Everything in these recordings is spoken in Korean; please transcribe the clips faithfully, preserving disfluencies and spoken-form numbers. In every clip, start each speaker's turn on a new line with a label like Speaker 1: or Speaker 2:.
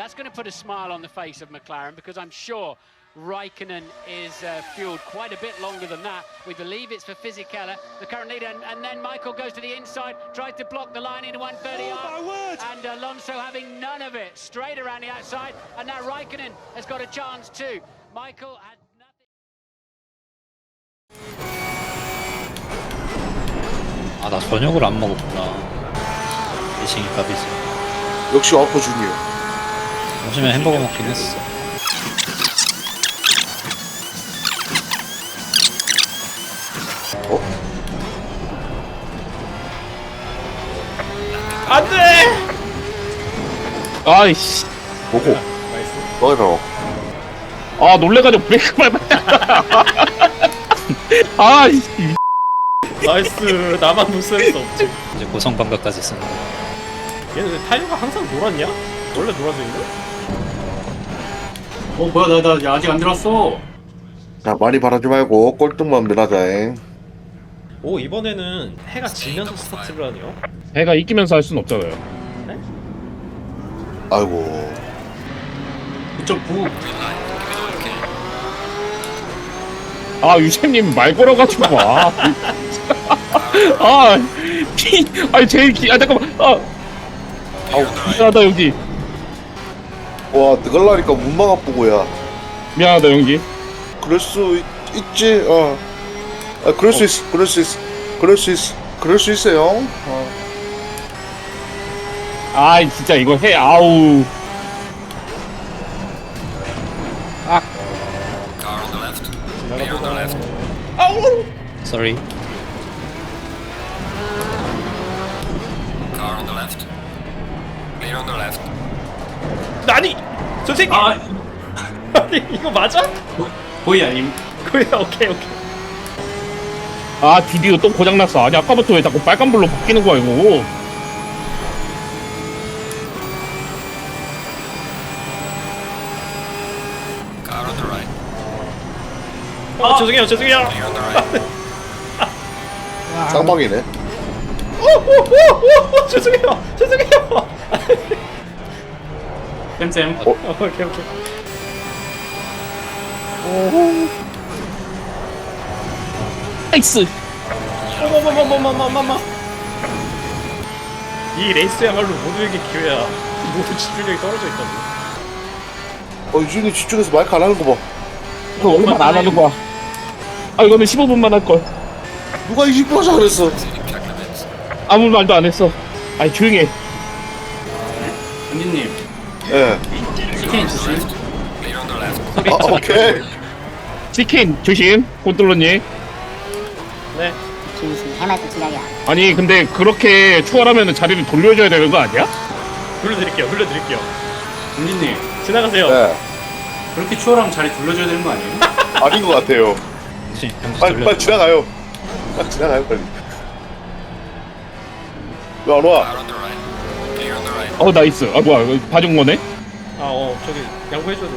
Speaker 1: That's going to put a smile on the face of McLaren because I'm sure Raikkonen is uh, fueled quite a bit longer than that. We believe it's for Fisichella, the current leader, and, and then Michael goes to the inside, tries to block the line into one thirty R, oh, and Alonso having none of it, straight around the outside, and now Raikkonen has got a chance too. Michael had nothing.
Speaker 2: 아, 나 저녁을 안 먹었구나. 미싱이 밥이지.
Speaker 3: 역시 와퍼 주니어.
Speaker 2: 점심에 햄버거 먹긴 했어.
Speaker 3: 어?
Speaker 4: 안 돼!
Speaker 5: 아이씨.
Speaker 3: 뭐고?
Speaker 4: 나이스.
Speaker 3: 뭐라고?
Speaker 5: 아, 놀래가지고 브레이크 밟았다. 아이씨.
Speaker 4: 나이스. 나만 눈썰 수 없지.
Speaker 2: 이제 고성방가까지 쓰는 거.
Speaker 4: 얘는 왜 타이어가 항상 노랗냐? 원래 노란색인데
Speaker 6: 어 뭐야 나, 나 아직 안 들었어.
Speaker 3: 자, 많이 바라지 말고 꼴등만 밀하자잉.
Speaker 4: 오, 이번에는 해가 지면서 스타트를 하네요.
Speaker 5: 해가 이기면서 할 순 없잖아요.
Speaker 3: 아이고.
Speaker 6: 구 점 구.
Speaker 5: 아, 유채님 말 걸어가지고 와. 아, 피, 아니 제일 기, 아 잠깐만. 아, 아우 미안하다 영지.
Speaker 3: 와, 뜨갈라니까 문망 아프고야.
Speaker 5: 미안하다 영지.
Speaker 3: 그럴 수 있, 있지. 어. 아, 그럴 수 있어. 그럴 수 있어. 그럴 수 있어. 그럴 수 있어요. 어.
Speaker 5: 아, 진짜 이거 해. 아우. 아. 아우.
Speaker 2: Sorry.
Speaker 4: 아니! 선생님!
Speaker 6: 아
Speaker 4: 아니, 이거 맞아?
Speaker 6: 거의 아님.
Speaker 4: 그래, 오케이, 오케이.
Speaker 5: 아, 드디어 또 고장 났어. 아니 아까부터 왜 자꾸 빨간불로 바뀌는 거야 이거.
Speaker 4: 아, 죄송해요, 죄송해요.
Speaker 3: 쌍방이네.
Speaker 4: 오, 오, 오, 오, 오, 죄송해요, 죄송해요.
Speaker 6: 쌤쌤.
Speaker 4: 어, 오케이, 오케이.
Speaker 5: 나이스.
Speaker 4: 어머머머머머머머머. 이 레이스야말로 모두에게 기회야. 모두 집중력이 떨어져 있다고.
Speaker 3: 어, 유준이 집중해서 마이크 안 하는 거 봐.
Speaker 5: 이거 얼마 안 하는 거야. 아, 이거는 십오 분만 할 걸.
Speaker 3: 누가 이십 분 하자 그랬어.
Speaker 5: 아무 말도 안 했어. 아니 조용히 해.
Speaker 6: 은진님
Speaker 3: 예.
Speaker 6: 치킨 조심.
Speaker 3: 아, 오케이.
Speaker 5: 치킨 조심. 콘트롤러님.
Speaker 4: 네.
Speaker 7: 중심 해맑은 지각이야.
Speaker 5: 아니 근데 그렇게 추월하면 자리를 돌려줘야 되는 거 아니야?
Speaker 4: 돌려드릴게요, 돌려드릴게요.
Speaker 6: 은진님
Speaker 4: 지나가세요.
Speaker 3: 네.
Speaker 6: 그렇게 추월하면 자리 돌려줘야 되는 거 아니에요?
Speaker 3: 아닌 것 같아요.
Speaker 2: 혹시 병수
Speaker 3: 빨리,
Speaker 2: 돌려.
Speaker 3: 빨리 지나가요. 빨리 지나가요, 빨리. 왜 안 와?
Speaker 5: 어 나이스. 아 뭐야 이거 봐준 거네?
Speaker 4: 아, 어, 저기 양보해줘야 돼.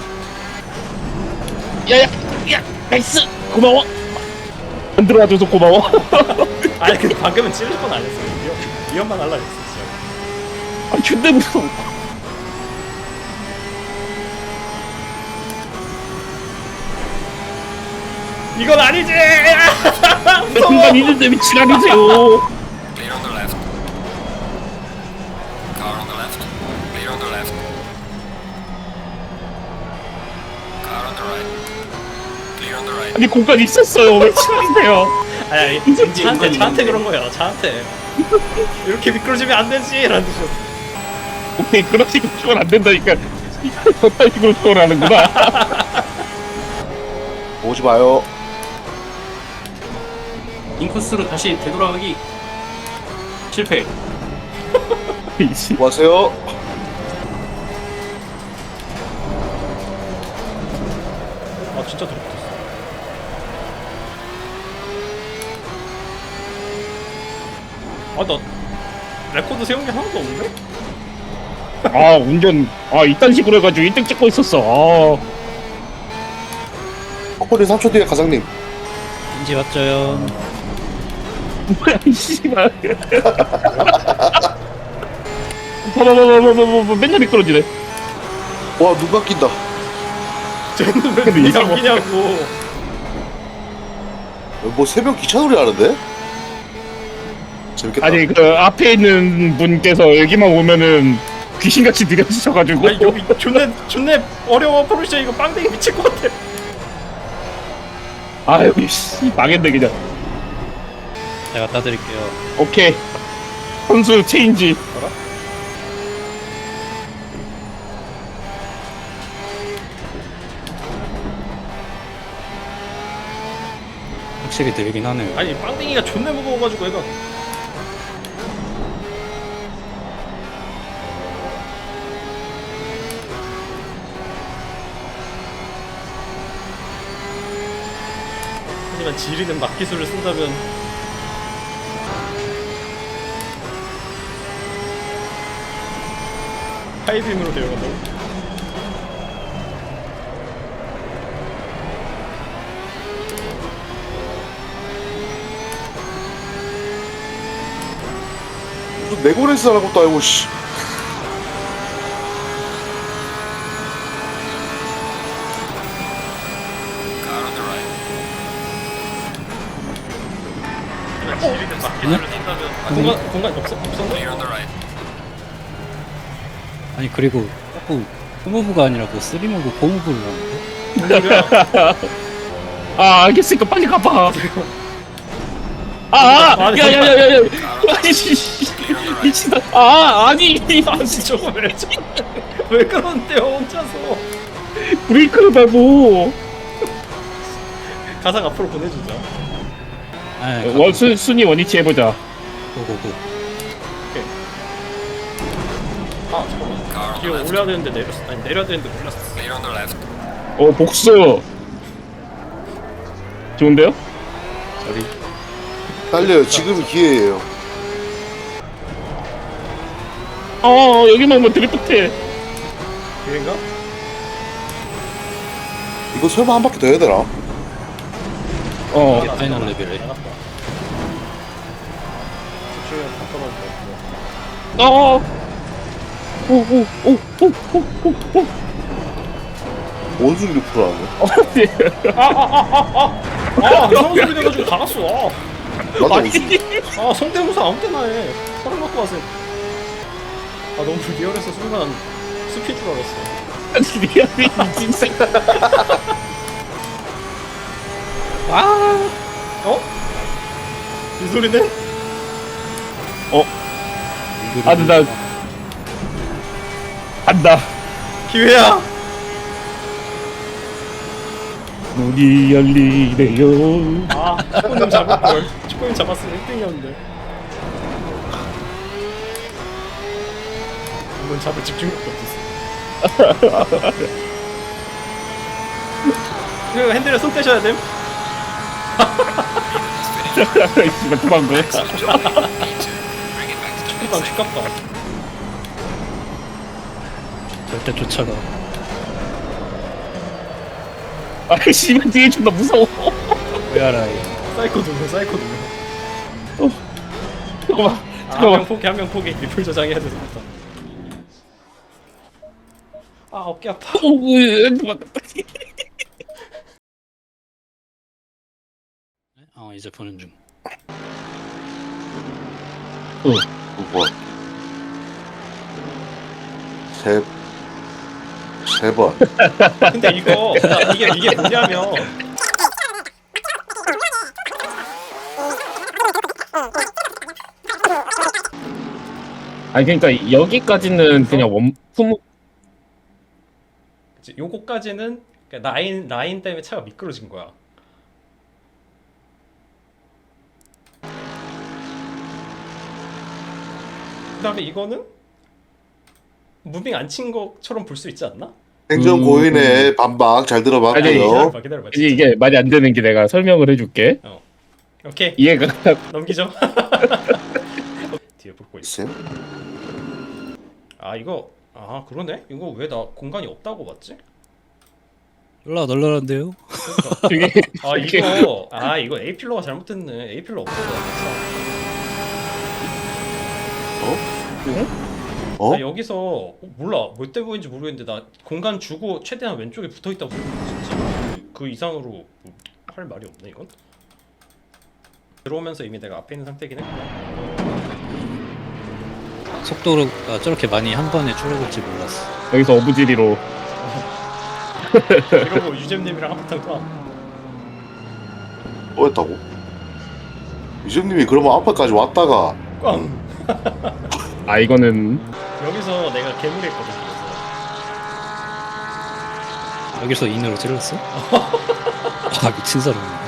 Speaker 5: 야야 야 나이스. 고마워. 안 들어와줘서 고마워.
Speaker 4: 아니, 근데 방금은 찔릴 건 안 했어요. 위험, 위험만 하려 했어, 진짜.
Speaker 5: 아 근데 무서워.
Speaker 4: 이건 아니지!
Speaker 5: 순간 있는데 미치라니세요. 아니 공간 있었어요. 왜 치라니세요?
Speaker 4: 아니, 아니,
Speaker 6: 은진이,
Speaker 4: 차한테,
Speaker 6: 은진이.
Speaker 4: 차한테 그런 거예요, 차한테. 이렇게 미끄러지면 안 되지! 라는 뜻이었어.
Speaker 5: 오케이 그런 식으로 추월 안 된다니까. 저딴 식으로 추월하는구나.
Speaker 3: 오지 마요.
Speaker 6: 인코스로 다시 되돌아가기. 실패.
Speaker 5: 이씨.
Speaker 3: 뭐 하세요?
Speaker 4: 아, 진짜 들어붙었어. 아, 나 레코드 세운 게 하나도 없는데?
Speaker 5: 아 운전 아 이딴 식으로 해가지고 일 등 찍고 있었어. 아.
Speaker 3: 코코리 삼 초 뒤에 가장님.
Speaker 2: 인지 왔죠요.
Speaker 5: 뭐야 이 씨발. 봐봐봐봐봐봐 맨날 미끄러지네.
Speaker 3: 와 누가 낀다.
Speaker 4: 쟤는 왜
Speaker 5: 근데
Speaker 4: 눈이
Speaker 5: 이상한
Speaker 4: 안 끼냐고.
Speaker 3: 뭐 새벽 기차 놀이 하는데? 재밌겠다.
Speaker 5: 아니 그 앞에 있는 분께서 여기만 오면은 귀신같이 느려지셔가지고.
Speaker 4: 아니 여기 존내 존내 어려워. 포르쉐 이거 빵댕이 미칠 것 같아.
Speaker 5: 아유 씨 망했네 그냥.
Speaker 2: 제가 따드릴게요.
Speaker 5: 오케이 선수 체인지.
Speaker 2: 확실히 들긴 하네요.
Speaker 4: 아니 빵댕이가 존내 무거워가지고 얘가. 하지만 지리는 막기술을 쓴다면 하이빔으로 되어간다고?
Speaker 3: 무슨 네고레스 하는 것도 아니고 씨.
Speaker 4: 지리는 막기술을 쓴다면 공간 공간 없어 없었나?
Speaker 2: 아니 그리고 자꾸 투무브가 아니라 그 쓰리무브 포무브를 하는데?
Speaker 4: 뭔 소리야?
Speaker 5: 아 알겠으니까 빨리 가봐. 아야야야야야 아니 씨, 미친다. 아 아니
Speaker 4: 아니 저거 왜 저래? 왜 그러는데요 혼자서?
Speaker 5: 브레이크를 밟고.
Speaker 4: 가상 앞으로 보내주자.
Speaker 2: 아니
Speaker 5: 원 순, 순위 원위치 해보자.
Speaker 2: 고고고.
Speaker 4: 아 잠깐만. 기어 올려야 되는데 내렸어. 아니 내려야 되는데 올랐어.
Speaker 5: 어 복수. 좋은데요?
Speaker 3: 달려요. 지금이 기회예요.
Speaker 5: 어 여기만 오면 드리프트.
Speaker 4: 기회인가?
Speaker 3: 이거 설마 한 바퀴 더 해야 되나?
Speaker 5: 어
Speaker 2: 이게 파이널 레벨에.
Speaker 4: 나갔다. 집중력 다 떨어진다.
Speaker 5: 어. 오오오오오오오.
Speaker 3: 원숭이를 풀어하네.
Speaker 4: 아 이상한 소리 돼가지고 다 갔어. 아,
Speaker 3: 맞아 원숭이.
Speaker 4: 아 성대모사 아무 때나 해. 사람 갖고 와서. 아 너무 리얼해서 순간 숲인 줄 알았어.
Speaker 5: 미안해 진짜.
Speaker 2: 아.
Speaker 4: 어? 이 소리네?
Speaker 5: 아 근데 나 간다.
Speaker 4: 기회야.
Speaker 5: 문이 열리네요.
Speaker 4: 아 축구님 잡을걸. 축구님 잡았으면 일 등이었는데. 이건 잡을 집중력도 없었어. 이거 핸들에 손 떼셔야 됨.
Speaker 5: 씨발 도망가.
Speaker 4: 축구방 축갑다.
Speaker 2: 절대 쫓아가.
Speaker 5: 아 씨발 뒤에 존나 무서워.
Speaker 2: 왜알아이.
Speaker 4: 사이코 누르 사이코 누르.
Speaker 5: 잠깐만
Speaker 4: 아, 한
Speaker 5: 잠깐만.
Speaker 4: 명 포기 한 명 포기. 리플 저장해야 되겠다. 아 어깨 아파.
Speaker 5: 오, 으, 도망가.
Speaker 2: 어 이제 보는 중.
Speaker 5: 어.
Speaker 3: 두 번. 세. 세 번.
Speaker 4: 근데 이거 이게 이게 뭐냐면
Speaker 5: 아니 그러니까 여기까지는 그냥 원품.
Speaker 4: 그치, 요거까지는 그러니까 라인 라인 때문에 차가 미끄러진 거야. 그다음에 이거는 무빙 안 친 것처럼 볼 수 있지 않나?
Speaker 3: 행정
Speaker 5: 음.
Speaker 3: 고인의 반박 잘
Speaker 5: 아니,
Speaker 3: 들어봤고요.
Speaker 4: 기다려봐 기다려봐.
Speaker 5: 이제 이게 말이 안 되는 게 내가 설명을 해줄게.
Speaker 4: 오케이
Speaker 5: 이해가
Speaker 4: 넘기죠. 뒤에 볼거 있어.
Speaker 3: 있어요?
Speaker 4: 아 이거 아 그러네. 이거 왜 나 공간이 없다고 봤지?
Speaker 2: 올라 널널한데요?
Speaker 5: 되게
Speaker 4: 아 이거 아 이거 A 필러가 잘못됐네. A 필러 없어.
Speaker 3: 어?
Speaker 4: 나 여기서 어, 몰라 몇 대 보인지 모르겠는데 나 공간 주고 최대한 왼쪽에 붙어있다고 생각해 진짜. 그 이상으로 뭐할 말이 없네 이건. 들어오면서 이미 내가 앞에 있는 상태긴 했구나.
Speaker 2: 속도가 저렇게 많이 한 번에 줄어들지 몰랐어.
Speaker 5: 여기서 어부지리로
Speaker 4: 이러고 유잼님이랑 한바탕 또
Speaker 3: 뭐였다고? 유정님이 그러면 앞에까지 왔다가
Speaker 4: 꽝!
Speaker 5: 아 이거는
Speaker 4: 여기서 내가 괴물이 했거든. 그래서
Speaker 2: 여기서 인으로 찔렀어? 아 미친 사람이네.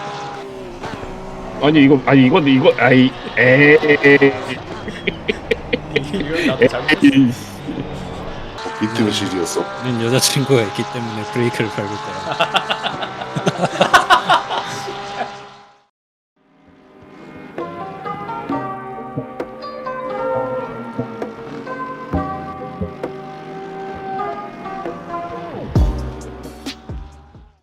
Speaker 5: 아니 이거 아니 이거 이거 아이 에에
Speaker 4: 이건 나도 잘못했어.
Speaker 3: 비트맨 실이었어?
Speaker 2: 우린 여자친구가 있기 때문에 브레이크를 밟을 거야.